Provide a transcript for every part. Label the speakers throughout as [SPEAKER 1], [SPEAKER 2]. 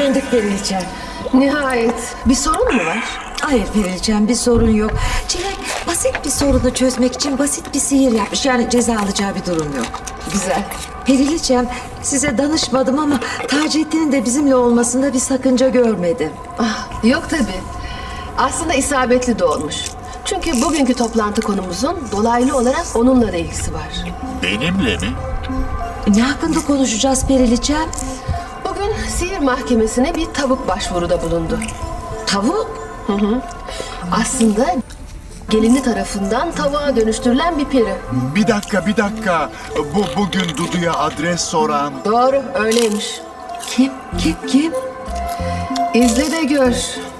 [SPEAKER 1] döndük Periliçem.
[SPEAKER 2] Nihayet. Bir sorun mu var?
[SPEAKER 1] Hayır Periliçem, bir sorun yok. Çilek basit bir sorunu çözmek için basit bir sihir yapmış. Yani ceza alacağı bir durum yok.
[SPEAKER 2] Güzel.
[SPEAKER 1] Periliçem, size danışmadım ama Taceddin'in de bizimle olmasında bir sakınca görmedim.
[SPEAKER 2] Ah, yok tabii. Aslında isabetli de olmuş. Çünkü bugünkü toplantı konumuzun dolaylı olarak onunla da ilgisi var.
[SPEAKER 3] Benimle mi?
[SPEAKER 1] Ne hakkında konuşacağız Periliçem?
[SPEAKER 2] Bugün sihir mahkemesine bir tavuk başvuruda bulundu.
[SPEAKER 1] Tavuk?
[SPEAKER 2] Aslında gelini tarafından tavuğa dönüştürülen bir peri.
[SPEAKER 3] Bir dakika. Bugün Dudu'ya adres soran...
[SPEAKER 2] Doğru, öyleymiş.
[SPEAKER 1] Kim?
[SPEAKER 2] İzle de gör.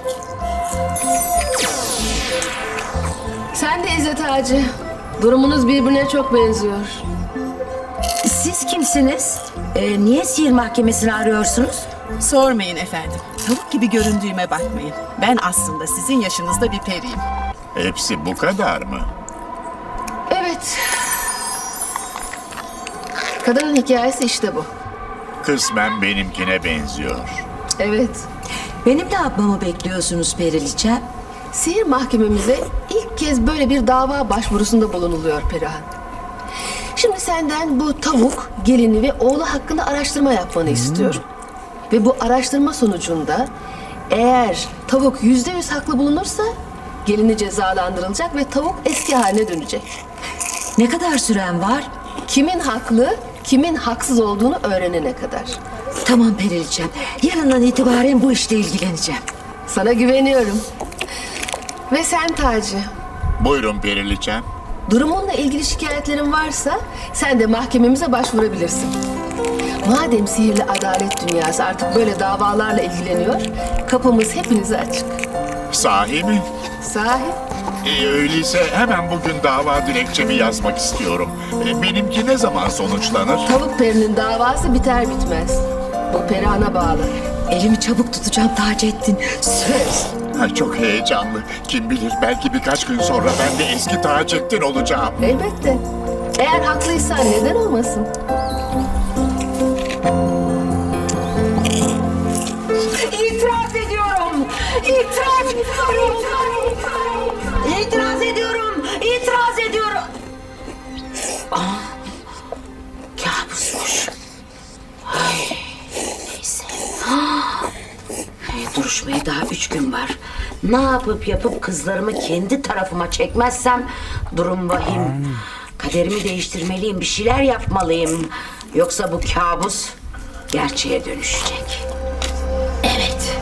[SPEAKER 2] Sen de izle Taci. Durumunuz birbirine çok benziyor.
[SPEAKER 1] Siz kimsiniz? Niye sihir mahkemesini arıyorsunuz?
[SPEAKER 4] Sormayın efendim. Tavuk gibi göründüğüme bakmayın. Ben aslında sizin yaşınızda bir periyim.
[SPEAKER 3] Hepsi bu kadar mı?
[SPEAKER 2] Evet. Kadının hikayesi işte bu.
[SPEAKER 3] Kısmen benimkine benziyor.
[SPEAKER 2] Evet.
[SPEAKER 1] Benim ne yapmamı bekliyorsunuz Periliçem?
[SPEAKER 2] Sihir mahkememize ilk kez böyle bir dava başvurusunda bulunuluyor Perihan. Şimdi senden bu tavuk, gelini ve oğlu hakkında araştırma yapmanı istiyorum. Ve bu araştırma sonucunda eğer tavuk %100 haklı bulunursa gelini cezalandırılacak ve tavuk eski haline dönecek.
[SPEAKER 1] Ne kadar süren var?
[SPEAKER 2] Kimin haklı, kimin haksız olduğunu öğrenene kadar.
[SPEAKER 1] Tamam Periliçem. Yarından itibaren bu işle ilgileneceğim.
[SPEAKER 2] Sana güveniyorum. Ve sen Taci,
[SPEAKER 3] Buyurun Periliçem.
[SPEAKER 2] durumunla ilgili şikayetlerin varsa sen de mahkememize başvurabilirsin. Madem sihirli adalet dünyası artık böyle davalarla ilgileniyor, kapımız hepinize açık.
[SPEAKER 3] Sahi mi?
[SPEAKER 2] Sahi?
[SPEAKER 3] Öyleyse hemen bugün dava dilekçemi yazmak istiyorum. Benimki ne zaman sonuçlanır?
[SPEAKER 2] Tavuk perinin davası biter bitmez. Bu Perihan'a bağlı.
[SPEAKER 1] Elimi çabuk tutacağım Taceddin. Söz.
[SPEAKER 3] Ay, çok heyecanlı. Kim bilir belki birkaç gün sonra ben de eski Taceddin olacağım.
[SPEAKER 2] Elbette. Eğer haklıysan neden olmasın?
[SPEAKER 1] İtiraz ediyorum. İtiraz ediyorum. İtiraz ediyorum. İtiraz ediyorum. Kabusmuş. Ay, neyse. Duruşmaya daha 3 gün var. Ne yapıp kızlarımı kendi tarafıma çekmezsem durum vahim. Kaderimi değiştirmeliyim, bir şeyler yapmalıyım. Yoksa bu kabus gerçeğe dönüşecek. Evet.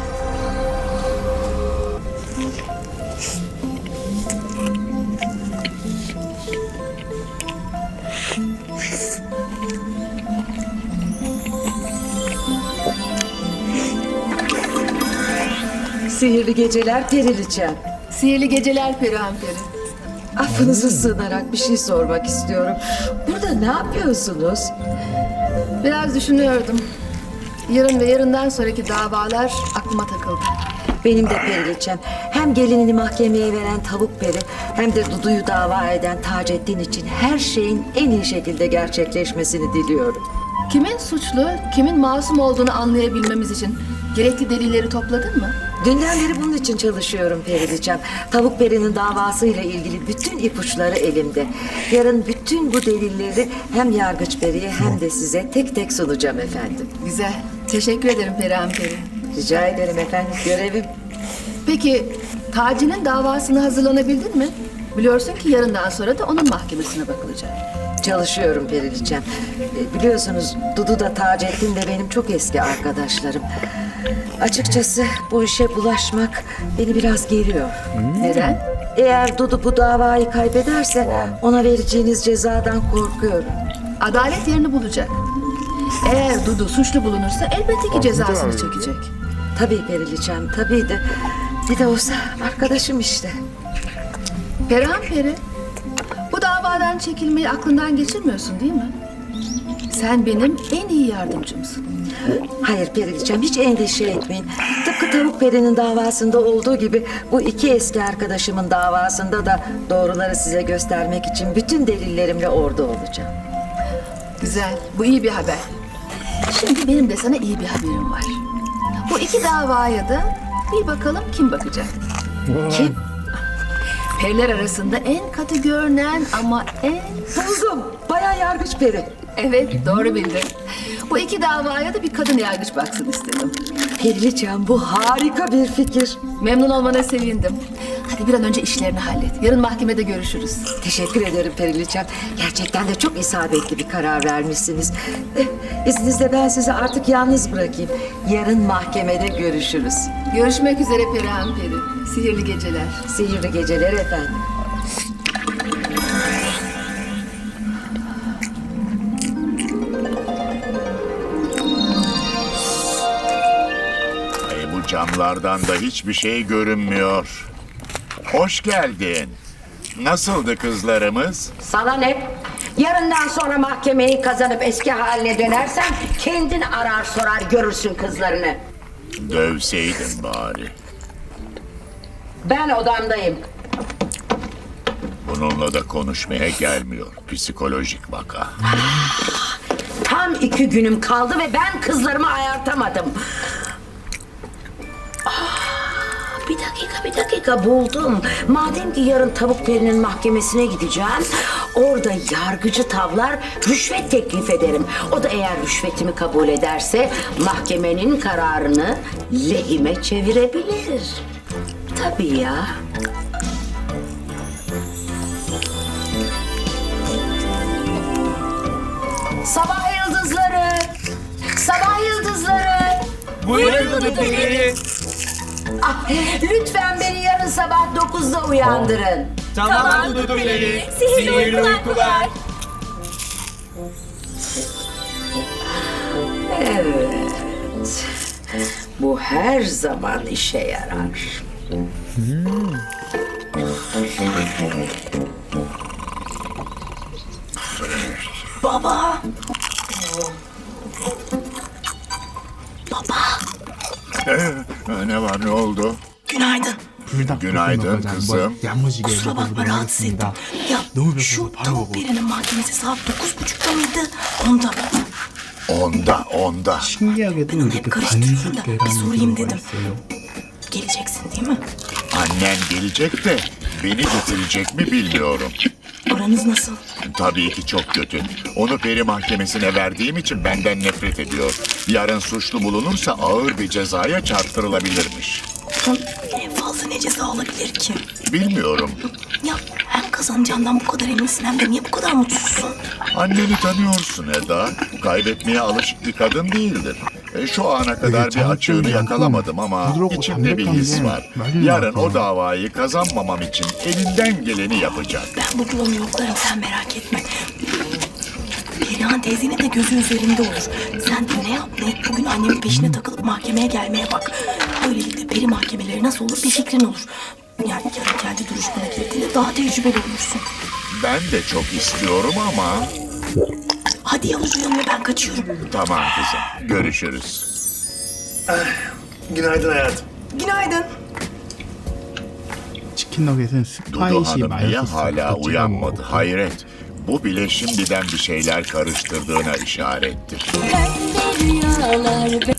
[SPEAKER 1] Sihirli geceler Periliçem.
[SPEAKER 2] Sihirli geceler Perihan Peri.
[SPEAKER 1] Affınıza sığınarak bir şey sormak istiyorum. Burada ne yapıyorsunuz?
[SPEAKER 2] Biraz düşünüyordum. Yarın ve yarından sonraki davalar aklıma takıldı.
[SPEAKER 1] Benim de Periliçem. Hem gelinini mahkemeye veren tavuk peri hem de Dudu'yu dava eden Taceddin için her şeyin en iyi şekilde gerçekleşmesini diliyorum.
[SPEAKER 2] Kimin suçlu, kimin masum olduğunu anlayabilmemiz için gerekli delilleri topladın mı?
[SPEAKER 1] Dünden beri bunun için çalışıyorum Periliçem. Tavuk perinin davasıyla ilgili bütün ipuçları elimde. Yarın bütün bu delilleri hem Yargıç Peri'ye hem de size tek tek sunacağım efendim.
[SPEAKER 2] Güzel. Teşekkür ederim Perihan Peri.
[SPEAKER 1] Rica ederim efendim, görevim.
[SPEAKER 2] Peki Taci'nin davasına hazırlanabildin mi? Biliyorsun ki yarından sonra da onun mahkemesine bakılacak.
[SPEAKER 1] Çalışıyorum Periliçem. Biliyorsunuz Dudu da Taceddin de benim çok eski arkadaşlarım. Açıkçası bu işe bulaşmak beni biraz geriyor.
[SPEAKER 2] Neden?
[SPEAKER 1] Eğer Dudu bu davayı kaybederse ona vereceğiniz cezadan korkuyorum.
[SPEAKER 2] Adalet yerini bulacak. Eğer Dudu suçlu bulunursa elbette ki cezasını çekecek.
[SPEAKER 1] Tabii Periliçem, tabii de ne de olsa arkadaşım işte.
[SPEAKER 2] Perihan Peri, bu davadan çekilmeyi aklından geçirmiyorsun değil mi? Sen benim en iyi yardımcımsın.
[SPEAKER 1] Hayır Periliçem, hiç endişe etmeyin. Tıpkı Tavuk Peri'nin davasında olduğu gibi bu iki eski arkadaşımın davasında da doğruları size göstermek için bütün delillerimle orada olacağım.
[SPEAKER 2] Güzel, bu iyi bir haber. Şimdi benim de sana iyi bir haberim var. Bu iki davaya da bir bakalım kim bakacak. Kim? Periler arasında en katı görünen ama en...
[SPEAKER 5] Buldum. Bayan Yargıç Peri.
[SPEAKER 2] Evet, doğru bildin. Bu iki davaya da bir kadın yargıç baksın istedim.
[SPEAKER 5] Periliçem, bu harika bir fikir.
[SPEAKER 2] Memnun olmana sevindim. Hadi bir an önce işlerini hallet. Yarın mahkemede görüşürüz.
[SPEAKER 5] Teşekkür ederim Periliçem. Gerçekten de çok isabetli bir karar vermişsiniz. İzninizle ben sizi artık yalnız bırakayım. Yarın mahkemede görüşürüz.
[SPEAKER 2] Görüşmek üzere Perihan Peri. Sihirli geceler.
[SPEAKER 5] Sihirli geceler efendim.
[SPEAKER 3] Bu camlardan da hiçbir şey görünmüyor. Hoş geldin. Nasıldı kızlarımız?
[SPEAKER 1] Sana ne? Yarından sonra mahkemeyi kazanıp eski haline dönersen kendin arar sorar görürsün kızlarını.
[SPEAKER 3] Dövseydin bari.
[SPEAKER 1] Ben odamdayım.
[SPEAKER 3] Bununla da konuşmaya gelmiyor. Psikolojik vaka.
[SPEAKER 1] Tam 2 günüm kaldı ve ben kızlarımı ayartamadım. Bir dakika buldum. Madem ki yarın Tavuk Peri'nin mahkemesine gideceğim, orada yargıcı tavlar rüşvet teklif ederim. O da eğer rüşvetimi kabul ederse mahkemenin kararını lehime çevirebilir. Tabii ya. Sabah yıldızları! Sabah yıldızları!
[SPEAKER 6] Buyurun Dudu Peri.
[SPEAKER 1] Ah, lütfen beni yarın sabah 9'da uyandırın.
[SPEAKER 6] Tamam Dudu Peri. Sihirli uykular.
[SPEAKER 1] Evet. Bu her zaman işe yarar. Baba.
[SPEAKER 3] Ne var, ne oldu?
[SPEAKER 7] Günaydın.
[SPEAKER 3] Günaydın kızım.
[SPEAKER 7] Kusura bakma rahatsız ettim. Ya şu Tavuk Peri'nin mahkemesi saat 9.30'da mıydı?
[SPEAKER 3] Onda.
[SPEAKER 6] 신기하게도
[SPEAKER 7] Ben hep
[SPEAKER 6] 이렇게
[SPEAKER 7] karıştırıyorum da bir
[SPEAKER 6] 간식계라는
[SPEAKER 7] sorayım
[SPEAKER 6] 경우가
[SPEAKER 7] dedim.
[SPEAKER 6] 있어요.
[SPEAKER 7] Geleceksin değil mi?
[SPEAKER 3] Annen gelecek de beni getirecek mi bilmiyorum.
[SPEAKER 7] Aranız nasıl?
[SPEAKER 3] Tabii ki çok kötü. Onu peri mahkemesine verdiğim için benden nefret ediyor. Yarın suçlu bulunursa ağır bir cezaya çarptırılabilirmiş.
[SPEAKER 7] En fazla ne ceza alabilir ki?
[SPEAKER 3] Bilmiyorum.
[SPEAKER 7] Ya hem kazanacağından bu kadar eminsin hem de niye bu kadar mutsuzsun?
[SPEAKER 3] Anneni tanıyorsun Eda. Kaybetmeye alışık bir kadın değildir. Şu ana kadar bir açığını yakalamadım ama içimde bir his var. Yarın o davayı kazanmamam için elinden geleni yapacak.
[SPEAKER 7] Ben bu yolunu yoklarım sen merak etme. Perihan teyzenin de gözü üzerinde olur. Sen de ne yap ne et bugün annemin peşine takılıp mahkemeye gelmeye bak. Böylelikle peri mahkemeleri nasıl olur bir fikrin olur. Yani yarın kendi duruşmana girdiğinde daha tecrübeli olursun.
[SPEAKER 3] Ben de çok istiyorum ama...
[SPEAKER 7] Hadi Yavuz uyanma ben kaçıyorum.
[SPEAKER 3] Tamam kızım, görüşürüz.
[SPEAKER 8] Günaydın hayatım.
[SPEAKER 7] Günaydın.
[SPEAKER 6] 치킨 너겟은
[SPEAKER 3] Dudu
[SPEAKER 6] 스파이시
[SPEAKER 3] Hanım
[SPEAKER 6] 마요
[SPEAKER 3] niye
[SPEAKER 6] 소스가
[SPEAKER 3] hala
[SPEAKER 6] 찍어
[SPEAKER 3] uyanmadı?
[SPEAKER 6] 먹고
[SPEAKER 3] Hayret. Bu bile şimdiden bir şeyler karıştırdığına işarettir.
[SPEAKER 9] Pembe rüyalar,